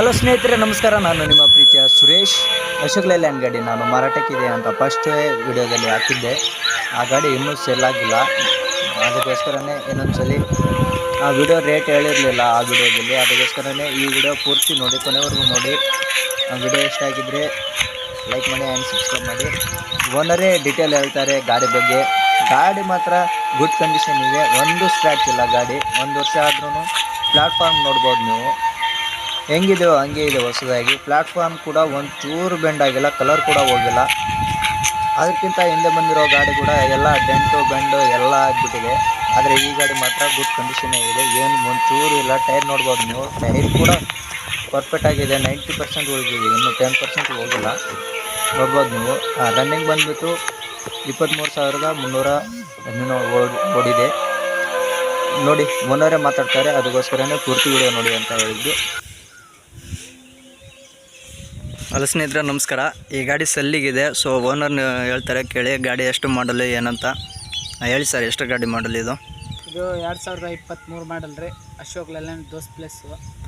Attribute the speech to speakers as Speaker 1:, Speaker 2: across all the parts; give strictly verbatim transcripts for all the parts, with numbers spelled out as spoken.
Speaker 1: Hello ಸ್ನೇಹಿತರೆ, ನಮಸ್ಕಾರ. ನಾನು ನಿಮ್ಮ ಪ್ರೀತಿಯ ಸುರೇಶ್. ಅಶೋಕ್ ಲೇಲ್ಯಾಂಡ್ ಗಾಡಿ ನಾನು ಮಾರಾಟಕ್ಕಿದೆ ಅಂತ ಫಸ್ಟ್ ವಿಡಿಯೋದಲ್ಲಿ ಹಾಕಿದ್ದೆ. ಆ ಗಾಡಿ ಇನ್ನೂ ಸೇಲ್ ಆಗಿಲ್ಲ. ಅದಕ್ಕೋಸ್ಕರನೇ ಇನ್ನೊಂದ್ಸಲಿ ಆ ವಿಡಿಯೋ ರೇಟ್ ಹೇಳಿರಲಿಲ್ಲ ಆ ವಿಡಿಯೋದಲ್ಲಿ. ಅದಕ್ಕೋಸ್ಕರನೇ ಈ ವಿಡಿಯೋ ಪೂರ್ತಿ ನೋಡಿ, ಕೊನೆವರೆಗೂ ನೋಡಿ. ಆ ವಿಡಿಯೋ ಇಷ್ಟ ಆಗಿದ್ದರೆ ಲೈಕ್ ಮಾಡಿ ಆ್ಯಂಡ್ ಸಬ್ಸ್ಕ್ರೈಬ್ ಮಾಡಿ. ಓನರೇ ಡೀಟೇಲ್ ಹೇಳ್ತಾರೆ ಗಾಡಿ ಬಗ್ಗೆ. ಗಾಡಿ ಮಾತ್ರ ಗುಡ್ ಕಂಡೀಷನ್ ಇದೆ, ಒಂದು ಸ್ಕ್ರ್ಯಾಚ್ ಇಲ್ಲ. ಗಾಡಿ ಒಂದು ವರ್ಷ ಆದ್ರೂ ಪ್ಲ್ಯಾಟ್ಫಾರ್ಮ್ ನೋಡ್ಬೋದು ನೀವು, ಹೆಂಗಿದೆಯೋ ಹಂಗೆ ಇದೆ ಹೊಸದಾಗಿ. ಪ್ಲ್ಯಾಟ್ಫಾರ್ಮ್ ಕೂಡ ಒಂದು ಚೂರು ಬೆಂಡ್ ಆಗಿಲ್ಲ, ಕಲರ್ ಕೂಡ ಹೋಗಿಲ್ಲ. ಅದಕ್ಕಿಂತ ಹಿಂದೆ ಬಂದಿರೋ ಗಾಡಿ ಕೂಡ ಎಲ್ಲ ಡೆಂಟು ಬೆಂಡು ಎಲ್ಲ ಆಗಿಬಿಟ್ಟಿದೆ. ಆದರೆ ಈ ಗಾಡಿ ಮಾತ್ರ ಗುಡ್ ಕಂಡೀಷನ್ ಇದೆ, ಏನು ಒಂದು ಚೂರು ಇಲ್ಲ. ಟೈರ್ ನೋಡ್ಬೋದು ನೀವು, ಟೈರ್ ಕೂಡ ಪರ್ಫೆಕ್ಟ್ ಆಗಿದೆ. ನೈಂಟಿ ಪರ್ಸೆಂಟ್ ಹೋಗಿದೆ, ಇನ್ನು ಟೆನ್ ಪರ್ಸೆಂಟ್ ಹೋಗಿಲ್ಲ. ನೋಡ್ಬೋದು ನೀವು. ರನ್ನಿಂಗ್ ಬಂದುಬಿಟ್ಟು ಇಪ್ಪತ್ತ್ಮೂರು ಸಾವಿರದ ಮುನ್ನೂರ ಹದಿನೇಳು ಓಡಿದೆ. ನೋಡಿ, ಓನರೇ ಮಾತಾಡ್ತಾರೆ, ಅದಕ್ಕೋಸ್ಕರನೇ ಪೂರ್ತಿ ವಿಡಿಯೋ ನೋಡಿ ಅಂತ ಹೇಳಿದ್ದು. ಹಲೋ ಸ್ನೇಹಿತರೆ, ನಮಸ್ಕಾರ. ಈ ಗಾಡಿ ಸೆಲ್ಲಿಗಿದೆ. ಸೊ ಓನರ್ ಹೇಳ್ತಾರೆ, ಕೇಳಿ ಗಾಡಿ ಎಷ್ಟು ಮಾಡಲು ಏನಂತ. ಹೇಳಿ ಸರ್, ಎಷ್ಟು ಗಾಡಿ ಮಾಡಲ್ ಇದು?
Speaker 2: ಇದು ಎರಡು ಸಾವಿರದ ಇಪ್ಪತ್ತ್ಮೂರು ಮಾಡಲ್ ರೀ. ಅಶೋಕ್ ಲೇಲ್ಯಾಂಡ್ ದೋಸ್ತ್ ಪ್ಲೇಸು.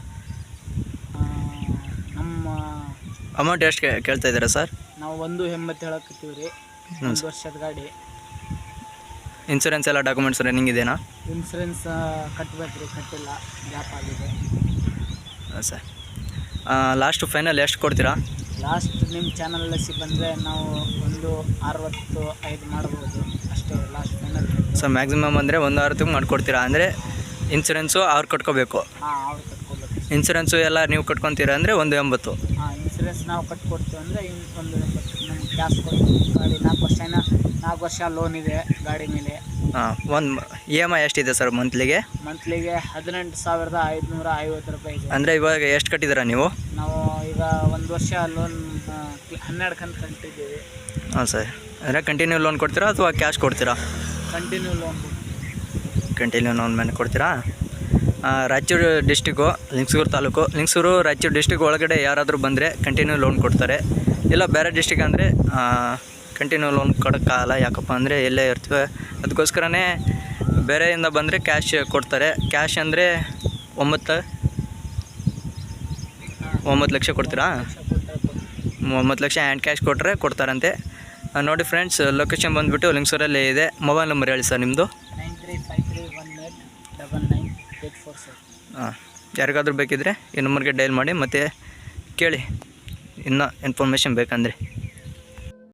Speaker 2: ನಮ್ಮ
Speaker 1: ಅಮೌಂಟ್ ಎಷ್ಟು ಕೇಳ್ತಾ ಇದ್ದೀರಾ ಸರ್?
Speaker 2: ನಾವು ಒಂದು ಎಂಬತ್ತು ಹೇಳಕತ್ತೀವಿ ರೀ. ಒಂದು ವರ್ಷದ ಗಾಡಿ.
Speaker 1: ಇನ್ಸೂರೆನ್ಸ್ ಎಲ್ಲ ಡಾಕ್ಯುಮೆಂಟ್ಸ್ ರನ್ನಿಂಗ್ ಇದೆಯಾ?
Speaker 2: ಇನ್ಸೂರೆನ್ಸ್ ಕಟ್ಟಬೇಕು ರೀ, ಕಟ್ಟಿಲ್ಲ, ಗ್ಯಾಪ್ ಆಗಿದೆ.
Speaker 1: ಹಾಂ ಸರ್. ಲಾಸ್ಟ್ ಫೈನಲ್ ಎಷ್ಟು ಕೊಡ್ತೀರಾ?
Speaker 2: ಲಾಸ್ಟ್ ನಿಮ್ಮ ಚಾನಲಲ್ಲಿ ಸಿ ಬಂದರೆ ನಾವು ಒಂದು ಅರವತ್ತು ಐದು ಮಾಡ್ಬೋದು ಅಷ್ಟೇ ಲಾಸ್ಟ್ ಫೈನಲ್.
Speaker 1: ಸೊ ಮ್ಯಾಕ್ಸಿಮಮ್ ಅಂದರೆ ಒಂದು ಅರವತ್ತಿಗೆ ಮಾಡಿಕೊಡ್ತೀರಾ? ಅಂದರೆ ಇನ್ಸೂರೆನ್ಸು ಅವ್ರು ಕಟ್ಕೋಬೇಕು?
Speaker 2: ಹಾಂ, ಅವ್ರು ಕಟ್ಕೋಬೇಕು.
Speaker 1: ಇನ್ಸೂರೆನ್ಸು ಎಲ್ಲ ನೀವು ಕಟ್ಕೊತೀರಾ ಅಂದರೆ ಒಂದು ಎಂಬತ್ತು?
Speaker 2: ಹಾಂ, ಇನ್ಸೂರೆನ್ಸ್ ನಾವು ಕಟ್ಕೊಡ್ತೀವಿ ಅಂದರೆ ಒಂದು ಎಂಬತ್ತು ನಮ್ಗೆ ಕ್ಯಾಶ್ ಕೊಡ್ತೀವಿ. ಗಾಡಿ ನಾಲ್ಕು ವರ್ಷ ನಾಲ್ಕು ವರ್ಷ ಲೋನ್ ಇದೆ ಗಾಡಿ ಮೇಲೆ.
Speaker 1: ಹಾಂ, ಒಂದು ಇ ಎಮ್ ಐ ಎಷ್ಟಿದೆ ಸರ್ ಮಂತ್ಲಿಗೆ?
Speaker 2: ಮಂತ್ಲಿಗೆ ಹದಿನೆಂಟು ಸಾವಿರದ ಐದುನೂರ ಐವತ್ತು ರೂಪಾಯಿ ಇದೆ.
Speaker 1: ಅಂದರೆ ಇವಾಗ ಎಷ್ಟು ಕಟ್ಟಿದ್ದೀರಾ ನೀವು?
Speaker 2: ನಾವು ಈಗ ಒಂದು ವರ್ಷ ಲೋನ್ ಹನ್ನೆರಡು ಕಂತು ಕಟ್ಟಿದ್ದೀವಿ.
Speaker 1: ಹಾಂ ಸರ್. ಅಂದರೆ ಕಂಟಿನ್ಯೂ ಲೋನ್ ಕೊಡ್ತೀರಾ ಅಥವಾ ಕ್ಯಾಶ್ ಕೊಡ್ತೀರಾ?
Speaker 2: Continue loan.
Speaker 1: ಕಂಟಿನ್ಯೂ ಲೋನ್ ಮೇಲೆ ಕೊಡ್ತೀರಾ? ರಾಯಚೂರು ಡಿಸ್ಟಿಕ್ಕು, ಲಿಂಗಸೂರು ತಾಲೂಕು. ಲಿಂಗಸೂರು ರಾಯಚೂರು ಡಿಸ್ಟಿಕ್ ಒಳಗಡೆ ಯಾರಾದರೂ ಬಂದರೆ ಕಂಟಿನ್ಯೂ ಲೋನ್ ಕೊಡ್ತಾರೆ. ಇಲ್ಲ ಬೇರೆ ಡಿಸ್ಟಿಕ್ ಅಂದರೆ ಕಂಟಿನ್ಯೂ ಲೋನ್ ಕೊಡೋಕ್ಕಾಗಲ್ಲ. ಯಾಕಪ್ಪ ಅಂದರೆ ಎಲ್ಲೇ ಇರ್ತವೆ, ಅದಕ್ಕೋಸ್ಕರನೇ ಬೇರೆಯಿಂದ ಬಂದರೆ ಕ್ಯಾಶ್ ಕೊಡ್ತಾರೆ. ಕ್ಯಾಶ್ ಅಂದರೆ ಒಂಬತ್ತು ಒಂಬತ್ತು ಲಕ್ಷ ಕೊಡ್ತೀರಾ? ಒಂಬತ್ತು ಲಕ್ಷ ಹ್ಯಾಂಡ್ ಕ್ಯಾಶ್ ಕೊಟ್ಟರೆ ಕೊಡ್ತಾರಂತೆ. ನೋಡಿ ಫ್ರೆಂಡ್ಸ್, ಲೊಕೇಶನ್ ಬಂದುಬಿಟ್ಟು ಲಿಂಗಸೂರಲ್ಲೇ ಇದೆ. ಮೊಬೈಲ್ ನಂಬರ್ ಹೇಳಿ ಸರ್ ನಿಮ್ಮದು.
Speaker 2: Nine three five three one eight double nine eight four seven.
Speaker 1: ಹಾಂ, ಯಾರಿಗಾದ್ರೂ ಬೇಕಿದ್ದರೆ ಈ ನಂಬರ್ಗೆ ಡೈಲ್ ಮಾಡಿ ಮತ್ತು ಕೇಳಿ ಇನ್ನೂ ಇನ್ಫಾರ್ಮೇಷನ್ ಬೇಕಂದರೆ.